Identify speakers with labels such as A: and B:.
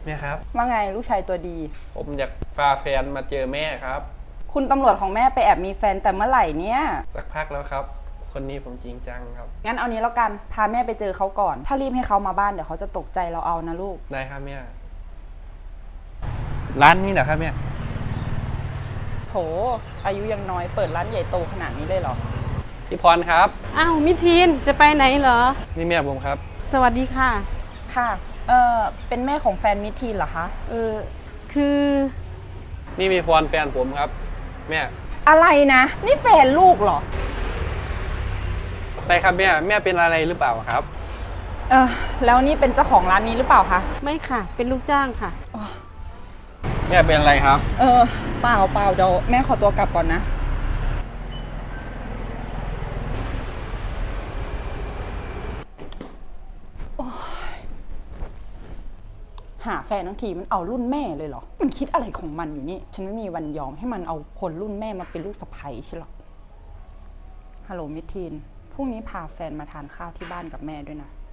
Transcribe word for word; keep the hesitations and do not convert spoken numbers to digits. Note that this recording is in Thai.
A: แม่ครับ
B: ว่าไงลูกชายตัวดี
A: ผมอยากพาแฟนมาเจอแม่ครับ
B: คุณตำรวจของแม่ไปแอบมีแฟนแต่เมื่อไหร่เนี่ย
A: สักพักแล้วครับคนนี้ผมจริงจังครับ
B: งั้นเอานี้แล้วกันพาแม่ไปเจอเขาก่อนถ้ารีบให้เขามาบ้านเดี๋ยวเขาจะตกใจเราเอานะลูก
A: ได้ครับแม่ร้านนี้เหรอครับแม่
B: โหอายุยังน้อยเปิดร้านใหญ่โตขนาดนี้เลยเหรอ
A: พี่พรครับ
C: อ้าวมิทีนจะไปไหนเหรอ
A: นี่แม่ผมครับ
C: สวัสดีค่ะ
B: ค่ะเออเป็นแม่ของแฟนมิทีนเหรอคะ
C: เออคือ
A: นี่มีพรแฟนผมครับแม่
B: อะไรนะนี่แฟนลูกเหรอ
A: ใช่ครับแม่แม่เป็นอะไรหรือเปล่าครับ
B: เออแล้วนี่เป็นเจ้าของร้านนี้หรือเปล่าคะ
C: ไม่ค่ะเป็นลูกจ้างค่ะ
A: แม่เป็นอะไรครับ
B: เออเปล่าเปล่าเดี๋ยวแม่ขอตัวกลับก่อนนะหาแฟนทั้งทีมันเอารุ่นแม่เลยเหรอมันคิดอะไรของมันอยู่นี่ฉันไม่มีวันยอมให้มันเอาคนรุ่นแม่มาเป็นลูกสะใภ้ใช่หรอฮัลโหลมิทีนพรุ่งนี้พาแฟนมาทานข้าวที่บ้านกับแม่ด้วยนะ